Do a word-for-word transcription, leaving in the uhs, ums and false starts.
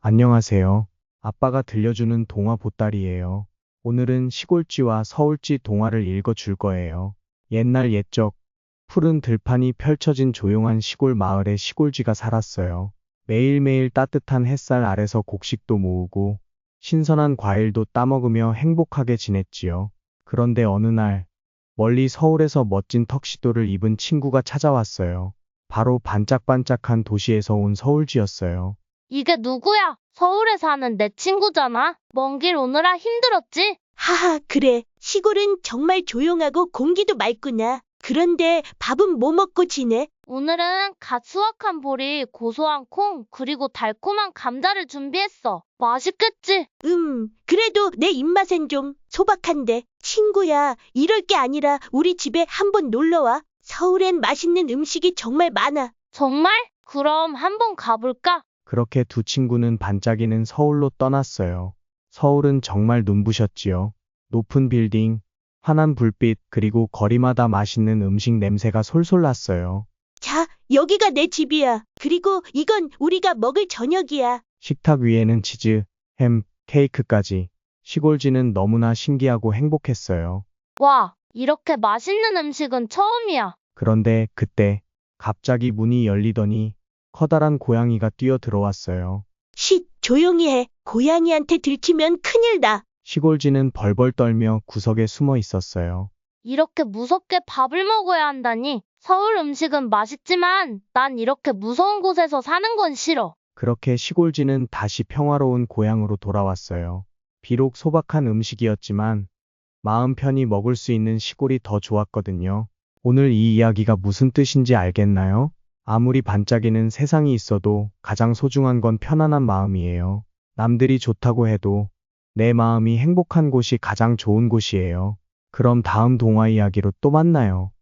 안녕하세요. 아빠가 들려주는 동화 보따리예요. 오늘은 시골쥐와 서울쥐 동화를 읽어줄 거예요. 옛날 옛적 푸른 들판이 펼쳐진 조용한 시골 마을에 시골쥐가 살았어요. 매일매일 따뜻한 햇살 아래서 곡식도 모으고 신선한 과일도 따먹으며 행복하게 지냈지요. 그런데 어느 날 멀리 서울에서 멋진 턱시도를 입은 친구가 찾아왔어요. 바로 반짝반짝한 도시에서 온 서울쥐였어요. 이게 누구야? 서울에 사는 내 친구잖아. 먼 길 오느라 힘들었지? 하하, 그래. 시골은 정말 조용하고 공기도 맑구나. 그런데 밥은 뭐 먹고 지내? 오늘은 갓 수확한 보리, 고소한 콩, 그리고 달콤한 감자를 준비했어. 맛있겠지? 음, 그래도 내 입맛엔 좀 소박한데. 친구야, 이럴 게 아니라 우리 집에 한번 놀러와. 서울엔 맛있는 음식이 정말 많아. 정말? 그럼 한번 가볼까? 그렇게 두 친구는 반짝이는 서울로 떠났어요. 서울은 정말 눈부셨지요. 높은 빌딩, 환한 불빛, 그리고 거리마다 맛있는 음식 냄새가 솔솔 났어요. 자, 여기가 내 집이야. 그리고 이건 우리가 먹을 저녁이야. 식탁 위에는 치즈, 햄, 케이크까지. 시골쥐는 너무나 신기하고 행복했어요. 와, 이렇게 맛있는 음식은 처음이야. 그런데 그때 갑자기 문이 열리더니 커다란 고양이가 뛰어 들어왔어요. 쉿, 조용히 해. 고양이한테 들키면 큰일 나. 시골쥐는 벌벌 떨며 구석에 숨어 있었어요. 이렇게 무섭게 밥을 먹어야 한다니. 서울 음식은 맛있지만 난 이렇게 무서운 곳에서 사는 건 싫어. 그렇게 시골쥐는 다시 평화로운 고향으로 돌아왔어요. 비록 소박한 음식이었지만 마음 편히 먹을 수 있는 시골이 더 좋았거든요. 오늘 이 이야기가 무슨 뜻인지 알겠나요? 아무리 반짝이는 세상이 있어도 가장 소중한 건 편안한 마음이에요. 남들이 좋다고 해도 내 마음이 행복한 곳이 가장 좋은 곳이에요. 그럼 다음 동화 이야기로 또 만나요.